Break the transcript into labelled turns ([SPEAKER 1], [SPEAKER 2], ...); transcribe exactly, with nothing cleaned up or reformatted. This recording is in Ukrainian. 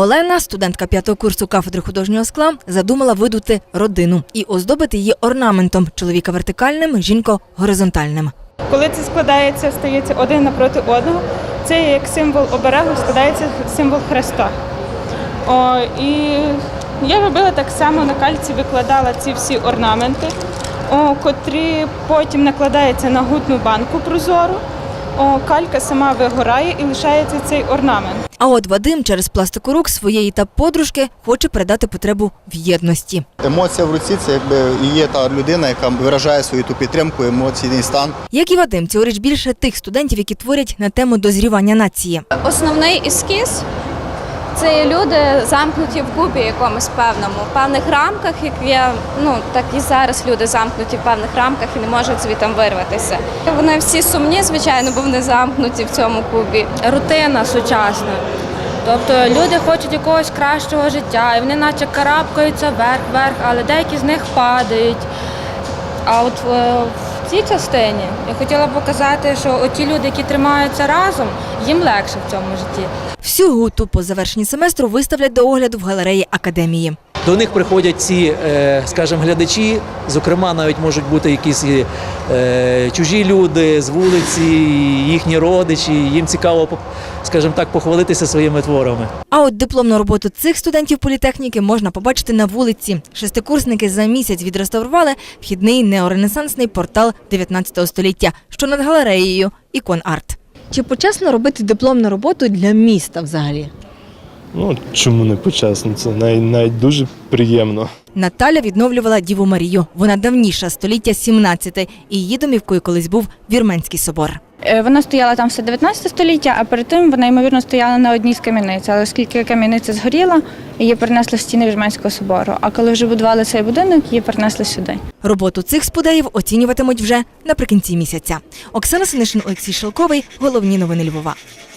[SPEAKER 1] Олена, студентка п'ятого курсу кафедри художнього скла, задумала видути родину і оздобити її орнаментом – чоловіка вертикальним, жінку горизонтальним.
[SPEAKER 2] Коли це складається, стається один напроти одного, це як символ оберегу, складається символ Христа. О, і я робила так само, на кальці викладала ці всі орнаменти, о, котрі потім накладаються на гутну банку прозору. О, калька сама вигорає і лишається цей орнамент.
[SPEAKER 1] А от Вадим через пластику рук своєї та подружки хоче передати потребу в єдності.
[SPEAKER 3] Емоція в руці – це якби і є та людина, яка виражає свою ту підтримку, емоційний стан.
[SPEAKER 1] Як і Вадим, цьогоріч більше тих студентів, які творять на тему дозрівання нації.
[SPEAKER 4] Основний ескіз – це є люди замкнуті в кубі якомусь певному, в певних рамках, як є, ну, так і зараз люди замкнуті в певних рамках і не можуть звідти вирватися. Вони всі сумні, звичайно, бо вони замкнуті в цьому кубі.
[SPEAKER 5] Рутина сучасна. Тобто люди хочуть якогось кращого життя, і вони наче карабкаються вверх-вверх, але деякі з них падають. А от в цій частині я хотіла показати, що оті люди, які тримаються разом, їм легше в цьому житті.
[SPEAKER 1] Всю гуту по завершенні семестру виставлять до огляду в галереї академії.
[SPEAKER 6] До них приходять ці, скажімо, глядачі, зокрема, навіть можуть бути якісь чужі люди з вулиці, їхні родичі, їм цікаво, скажімо так, похвалитися своїми творами.
[SPEAKER 1] А от дипломну роботу цих студентів політехніки можна побачити на вулиці. Шестикурсники за місяць відреставрували вхідний неоренесансний портал дев'ятнадцятого століття, що над галереєю «Ікон-Арт». Чи почесно робити дипломну роботу для міста взагалі?
[SPEAKER 7] Ну, чому не почесно? Це навіть, навіть дуже приємно.
[SPEAKER 1] Наталя відновлювала Діву Марію. Вона давніша, століття сімнадцяте, і її домівкою колись був Вірменський собор.
[SPEAKER 2] Вона стояла там все дев'ятнадцяте століття, а перед тим вона, ймовірно, стояла на одній з кам'яниць. Але оскільки кам'яниця згоріла, її перенесли в стіни Вірменського собору. А коли вже будували цей будинок, її перенесли сюди.
[SPEAKER 1] Роботу цих спудеїв оцінюватимуть вже наприкінці місяця. Оксана Синишин, Олексій Шелковий. Головні новини Львова.